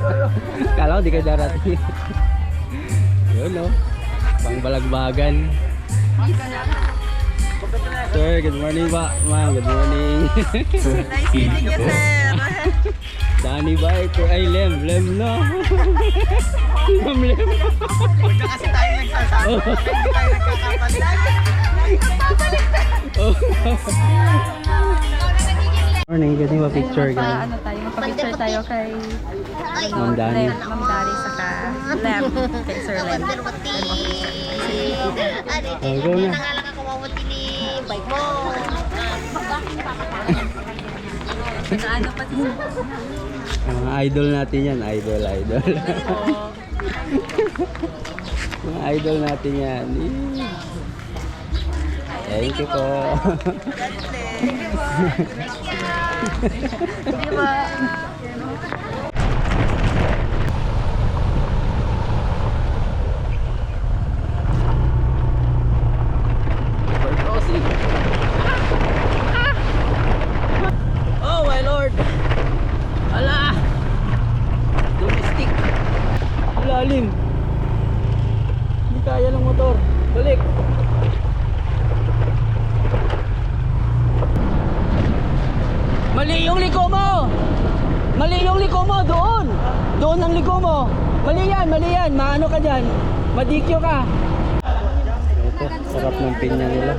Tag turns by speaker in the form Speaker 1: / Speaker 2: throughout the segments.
Speaker 1: Kala ko di ka darating. Yun no. Pangbalagbagan. Sir, good morning ba? Ma'am, good morning.
Speaker 2: Nice meeting you, sir.
Speaker 1: Danny ba ito? Ay, Lem no. Ma'am Lem.
Speaker 2: Huwag na kasi tayo nagsasama. Hindi tayo nagkakapalit.
Speaker 1: Morning, ganyan ba picture ka?
Speaker 3: Ano tayo, magpa-picture tayo kay
Speaker 1: Ma'am Dani.
Speaker 3: Ma'am Dari saka Lem, kay Sir Lem.
Speaker 1: Oh, go na.
Speaker 4: Nangalang ako mamunti ni bike mo.
Speaker 3: Ano pa si Sir?
Speaker 1: Mga idol natin yan, idol. Mga idol natin yan. Thank you po.
Speaker 3: Di ba?
Speaker 1: Oh my lord. Ala. Domestic. Lalim. Hindi kaya ng motor. Balik. Mali yung liko mo. Mali yung liko mo doon. Doon ang liko mo. Mali yan. Maano ka diyan? Madikyo ka. Ito, sarap ng pinya nila.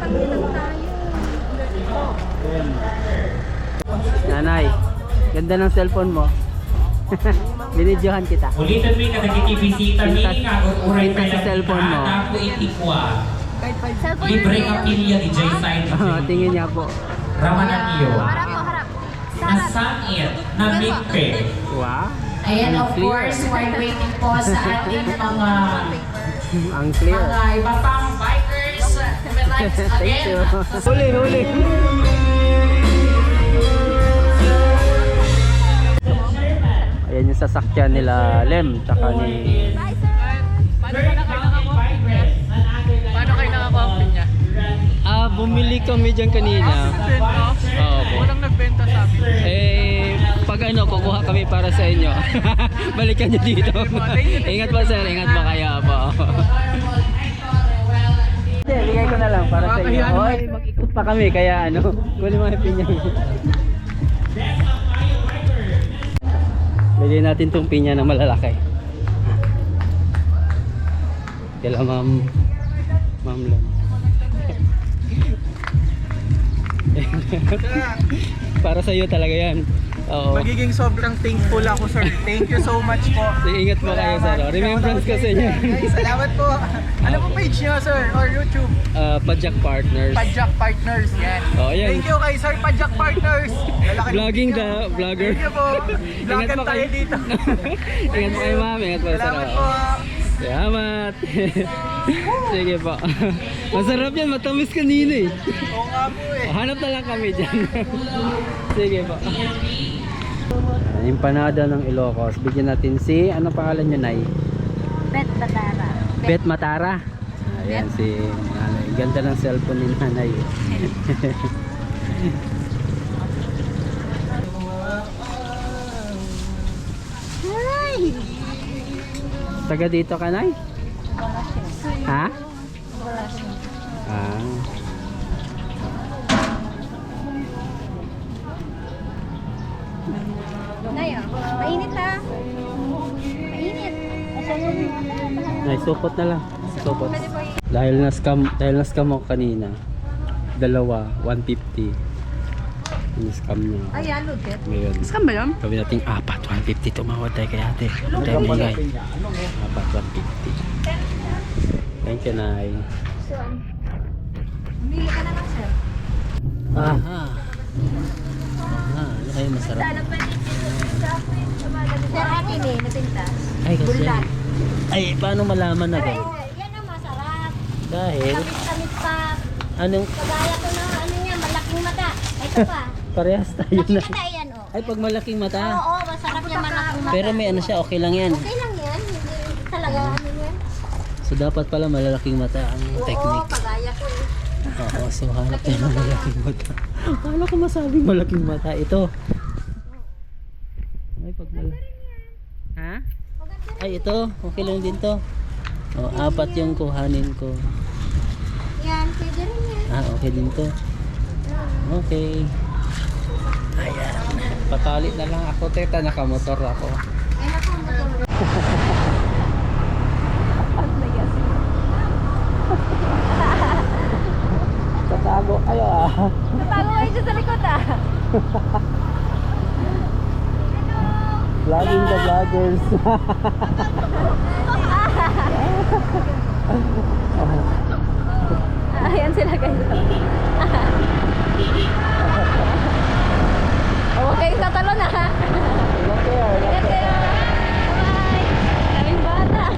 Speaker 1: Nanay, ganda ng cellphone mo. Binidyohan kita.
Speaker 5: Ulitin mo yung nagkikibisita ni uray pa
Speaker 1: sa cellphone mo.
Speaker 5: Ako itikwa. Libre kapilya ni Jay Sain.
Speaker 1: Tingin niya po.
Speaker 5: Ramanan iyo.
Speaker 4: Harap mo, harap.
Speaker 5: Nasangit na mikpe.
Speaker 1: Wow.
Speaker 6: Ayan, of course, while waiting po sa ating mga
Speaker 1: Ang clear.
Speaker 6: iba pang bikers, we like
Speaker 1: Thank you.
Speaker 6: again.
Speaker 1: Huli. Ayan yung sasakyan nila Lem tsaka ni
Speaker 2: Paano kayo nakakuha ang pinya?
Speaker 1: bumili kami dyan kanina. Oo po.
Speaker 2: Walang nagbenta sa amin.
Speaker 1: Pag ano, kukuha kami para sa inyo. Balikan nyo dito. Ingat po sir, ingat po kayo po. Hindi, bigay ko na lang para sa inyo. Hoy, mag-ikot pa kami kaya ano, kunin mo yung pinya. Bigyan natin tong pinya na malalaki. Kaya ma'am lang. Para sa iyo talaga yan. Oo.
Speaker 2: Magiging sobrang thankful ako, sir. Thank you so much po.
Speaker 1: Ingat po kayo sir. Remembrance kasi niya.
Speaker 2: Guys, salamat po. Ano po page niyo, sir? Or YouTube?
Speaker 1: Pajak Partners.
Speaker 2: Pajak Partners. Yan.
Speaker 1: Oh, yan.
Speaker 2: Thank you kay Sir Pajak Partners. Lalaki ng
Speaker 1: Vlogging
Speaker 2: video.
Speaker 1: the vlogger.
Speaker 2: Thank you po. Vlogger
Speaker 1: po
Speaker 2: tayo
Speaker 1: kayo.
Speaker 2: dito.
Speaker 1: Ingat po kayo ma'am. Ingat po sir.
Speaker 2: Salamat po.
Speaker 1: Salamat. Sige po. Masarap yan. Matamis kanina eh.
Speaker 2: Oo nga po eh.
Speaker 1: Hanap na lang kami dyan. Sige po. Empanada ng Ilocos. Bigyan natin si, ano pangalan nyo, Nay?
Speaker 4: Bet Batara.
Speaker 1: Bet Matara. Ayan si Nanay. Ganda ng cellphone ni Nanay.
Speaker 4: Ay!
Speaker 1: Taga dito ka, Nay? Ha? Ah.
Speaker 4: Nay, mainit ha? Mainit.
Speaker 1: Nay, supot na lang. Supot. Dahil na-scam ako kanina. Dalawa, 150. Ini-scam niya.
Speaker 4: Ay, aludit.
Speaker 1: Ngayon.
Speaker 3: Scam ba yun?
Speaker 1: Gawin natin 150 tumawad tayo kay ate. Ang tayo bigay. 150. Thank you, Nay.
Speaker 4: Bili ka na lang, sir.
Speaker 1: Ano kayo masarap?
Speaker 4: Sir, akin eh, napintas.
Speaker 1: Ay, kasi.
Speaker 4: Bulat.
Speaker 1: Ay, paano malaman na
Speaker 4: Ay,
Speaker 1: gano'n?
Speaker 4: yan ang masarap.
Speaker 1: Dahil,
Speaker 4: Kamit-kamit pa.
Speaker 1: anong,
Speaker 4: Kagaya ko na, ano niya, malaking mata. Ito pa.
Speaker 1: parehas tayo
Speaker 4: Malaking
Speaker 1: na.
Speaker 4: mata yan, oh.
Speaker 1: Ay, pag malaking mata.
Speaker 4: Oo, masarap niya malaking mata.
Speaker 1: Pero may ano siya, okay lang yan.
Speaker 4: Okay lang yan. Hindi talaga ano yan.
Speaker 1: So, dapat pala malalaking mata ang
Speaker 4: Oo,
Speaker 1: technique.
Speaker 4: kagaya ko eh.
Speaker 1: Oo, so hanap tayo ng malaking mata. Paano ko masabing malaking mata? Ito. Ay, pag Ha? Ay, ito. Okay lang din to. Oh, 4 yung kuhanin ko.
Speaker 4: Yan, pwede rin yan.
Speaker 1: Okay din to. Okay. Ayan. Patali na lang ako, teta. Nakamotor ako.
Speaker 4: Ay, naku, motor.
Speaker 1: Tatago kayo ah.
Speaker 3: Natago kayo dyan sa likod ah.
Speaker 1: Vlogging the vloggers.
Speaker 3: Ayan sila guys.